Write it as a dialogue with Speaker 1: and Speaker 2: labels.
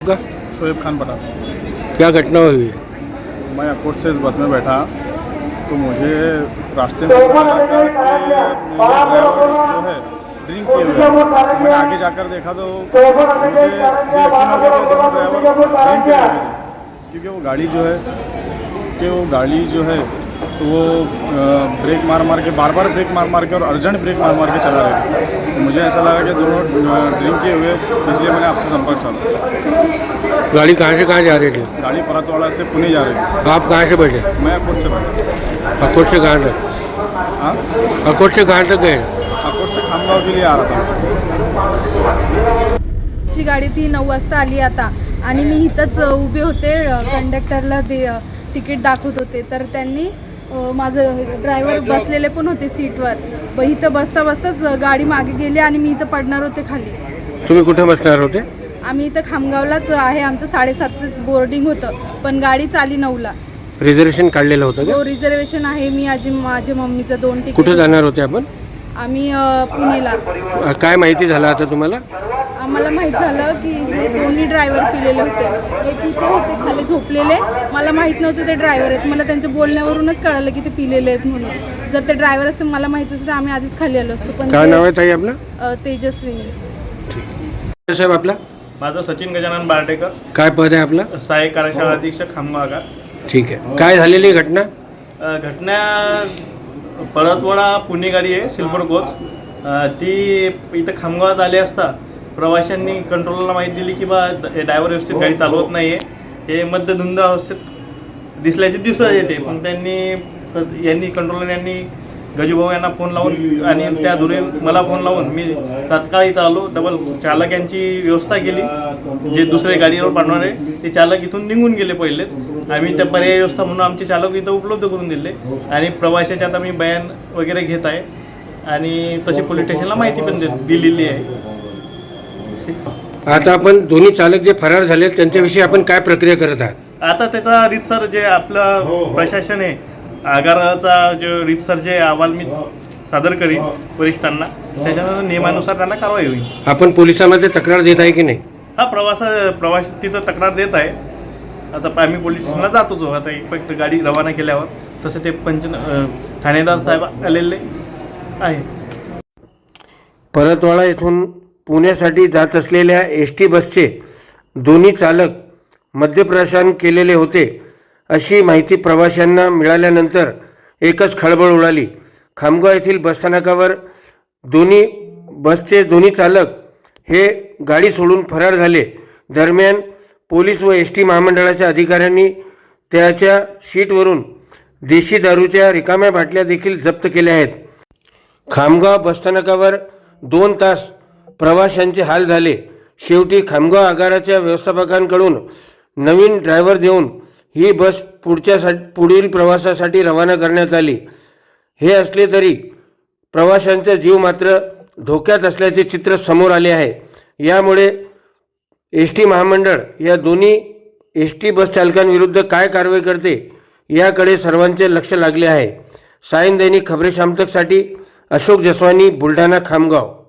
Speaker 1: का
Speaker 2: शोएब खान पठान।
Speaker 1: क्या घटना हुई है?
Speaker 2: मैं अकोट से इस बस में बैठा तो मुझे रास्ते में पता लगा कि मेरा ड्राइवर जो है ड्रिंक किए हुए है। मैंने आगे जाकर देखा तो मुझे यकीन हो गया कि दोनों ड्राइवर ड्रिंक किए हुए थे, क्योंकि वो गाड़ी जो है तो वो ब्रेक मार के बार ब्रेक मार के और अर्जेंट ब्रेक मार के चला रहे थे। तो मुझे ऐसा लगा कि दोनों ड्रिंक किए हुए, इसलिए मैंने आपसे संपर्क साधा।
Speaker 1: गाड़ी कहाँ से कहाँ जा रही थी?
Speaker 2: गाड़ी परतवाड़ा से पुणे जा रही थी।
Speaker 1: आप कहाँ से बैठे?
Speaker 2: मैं अकोट से बैठा।
Speaker 1: अकोट से कहाँ तक?
Speaker 2: हाँ,
Speaker 1: अकोट से कहाँ तक गए?
Speaker 2: अकोट से खामगाव के लिए आ रहा था।
Speaker 3: ची गाडी ती 9 वाजता आली आता आणि मी इथंच उभे होते, कंडक्टरला ते तिकीट दाखवत होते. तर त्यांनी माझं ड्रायव्हर बसलेले पण होते सीटवर. इथं बसताच गाडी मागे गेली आणि मी इथं पडणार होते खाली.
Speaker 1: तुम्ही कुठे बसणार होते?
Speaker 3: आम्ही इथं खामगावलाच आहे. आमचं 7:30चं बोर्डिंग होतं, पण गाडी चाली 9ला.
Speaker 1: रिझर्वेशन काढलेलं होतं का?
Speaker 3: हो, रिझर्वेशन आहे. मी माझ्या मम्मीचं 2 तिकीट.
Speaker 1: कुठे जाणार होते आपण?
Speaker 3: आम्ही पुणेला.
Speaker 1: काय माहिती झालं आता तुम्हाला?
Speaker 3: आम्हाला माहीत झालं की दोन्ही ड्रायव्हर पिलेले होते. एक इथे होते खाली झोपलेले. मला माहीत नव्हतं ते ड्रायव्हर आहेत. मला त्यांच्या बोलण्यावरूनच कळलं की ते पिलेले आहेत म्हणून. जर ते ड्रायव्हर असते मला माहीत असतं तर आम्ही आधीच खाली आलो असतो. पण
Speaker 1: काय नाव आहे ताई आपलं?
Speaker 3: तेजस्विनी.
Speaker 1: साहेब आपला?
Speaker 4: माझं सचिन गजानन बारडेकर,
Speaker 1: काय पद आहे आपला?
Speaker 4: सहाय्यक कार्यशाळा अधीक्षक खामगाव आगार.
Speaker 1: ठीक आहे. काय झालेली घटना?
Speaker 4: घटना परतवाडा पुणे गाडी आहे, सिल्वर कोच. ती इथं खामगावात आली असता प्रवाशांनी कंट्रोलरला माहिती दिली की बा ड्रायव्हर व्यवस्थित गाडी चालवत नाही आहे, हे मध्यधुंद अवस्थेत दिसल्याचे दिसत येते. पण यांनी कंट्रोलर यांनी गजूभाऊ यांना फोन लावून आणि त्या धुरे मला फोन लावून मी तात्काळ इथं आलो. डबल चालक यांची व्यवस्था केली. जे दुसरे गाडीवर पाठवणारे ते चालक इथून निघून गेले पहिलेच. आम्ही त्या पर्यायी व्यवस्था म्हणून आमचे चालक इथं उपलब्ध करून दिले आणि प्रवाशाच्या आता मी बयान वगैरे घेत आहे आणि तशी पोलीस स्टेशनला माहिती पण दिलेली आहे.
Speaker 1: आता आपण दोन्ही चालक जे फरार झाले त्यांच्याविषयी आपण काय प्रक्रिया करत आहात?
Speaker 4: आता त्याचा रितसर जे आपलं प्रशासन आहे आगाराचा जो रितसर जे अहवाल मी सादर करीन वरिष्ठांना, त्याच्यानंतर नियमानुसार त्यांना कारवाई होईल.
Speaker 1: आपण पोलिसांमध्ये तक्रार देत आहे की नाही?
Speaker 4: हा प्रवास तिथं तक्रार देत आहे. आता आम्ही पोलीस स्टेशनला जातोच. आता एक गाडी रवाना केल्यावर तसं ते ठाणेदार साहेब आलेले आहे.
Speaker 1: परतवाडा येथून पुण्यासाठी जात असलेल्या ST बसचे दोन्ही चालक मद्यप्राशन केलेले होते अशी माहिती प्रवाशांना मिळाल्यानंतर एकच खळबळ उडाली. खामगाव येथील बसस्थानकावर बसचे दोन्ही चालक हे गाडी सोडून फरार झाले. दरम्यान पोलीस व ST महामंडळाच्या अधिकाऱ्यांनी त्याच्या शीटवरून देशी दारूच्या रिकाम्या बाटल्या देखील जप्त केल्या आहेत. खामगाव बसस्थानकावर 2 तास प्रवाशांचे हाल झाले. शेवटी खामगाव आगाराच्या व्यवस्थापकांकडून नवीन ड्रायव्हर देऊन ही बस पुढील प्रवासासाठी रवाना करण्यात आली. हे असले तरी प्रवाशांचा जीव मात्र धोक्यात असल्याचे चित्र समोर आले आहे. यामुळे ST महामंडळ या दोन्ही ST बस चालकांविरुद्ध काय कारवाई करते याकडे सर्वांचे लक्ष लागले आहे. सायन दैनिक खबरे शामतकसाठी अशोक जसवानी, बुलढाणा, खामगाव.